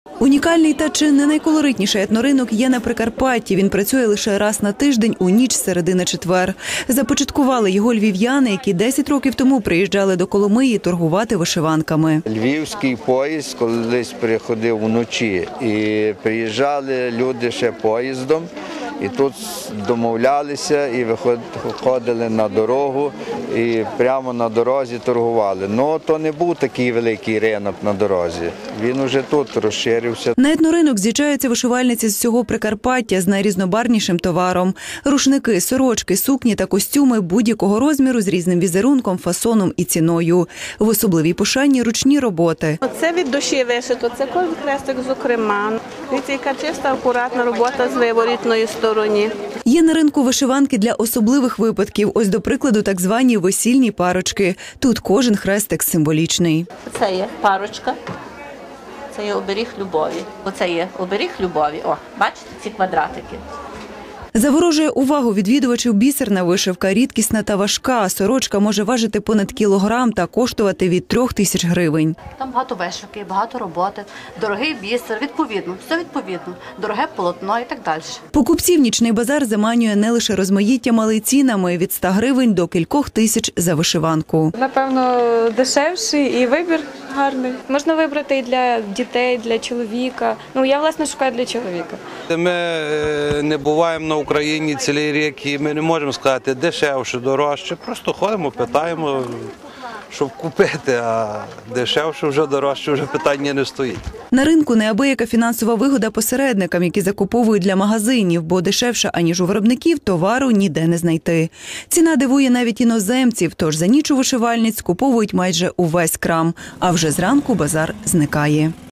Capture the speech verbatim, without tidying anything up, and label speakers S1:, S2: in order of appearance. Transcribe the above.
S1: Унікальний та чи не найколоритніший етноринок є на Прикарпатті. Він працює лише раз на тиждень у ніч з середи на четвер. Започаткували його львів'яни, які десять років тому приїжджали до Коломиї торгувати вишиванками.
S2: Львівський поїзд колись приходив вночі і приїжджали люди ще поїздом. І тут домовлялися і виходили на дорогу і прямо на дорозі торгували. Ну, то не був такий великий ринок на дорозі. Він уже тут розширився.
S1: На етноринок з'їжджаються вишивальниці з всього Прикарпаття з найрізнобарвнішим товаром. Рушники, сорочки, сукні та костюми будь-якого розміру з різним візерунком, фасоном і ціною. В особливій пошані ручні роботи.
S3: Це від душі вишито, це кожен хрестик зокрема. Дивіться, яка чиста, акуратна робота з виворітної сторони.
S1: Є на ринку вишиванки для особливих випадків. Ось, до прикладу, так звані весільні парочки. Тут кожен хрестик символічний.
S4: Це є парочка, це є оберіг любові. Оце є оберіг любові. О, бачите ці квадратики?
S1: Заворожує увагу відвідувачів бісерна вишивка, рідкісна та важка. Сорочка може важити понад кілограм та коштувати від трьох тисяч гривень.
S4: Там багато вишивки, багато роботи, дорогий бісер, відповідно, все відповідно, дороге полотно і так далі.
S1: Покупців нічний базар заманює не лише розмаїттям, але й цінами – від ста гривень до кількох тисяч за вишиванку.
S5: Напевно, дешевший і вибір гарний. Можна вибрати і для дітей, для чоловіка. Ну, я, власне, шукаю для чоловіка.
S6: Ми не буваємо на Україні цілий рік і ми не можемо сказати дешевше, дорожче. Просто ходимо, питаємо, щоб купити, а дешевше вже, дорожче вже питання не стоїть.
S1: На ринку неабияка фінансова вигода посередникам, які закуповують для магазинів, бо дешевше, аніж у виробників, товару ніде не знайти. Ціна дивує навіть іноземців, тож за ніч у вишивальниць скуповують майже увесь крам, а вже зранку базар зникає.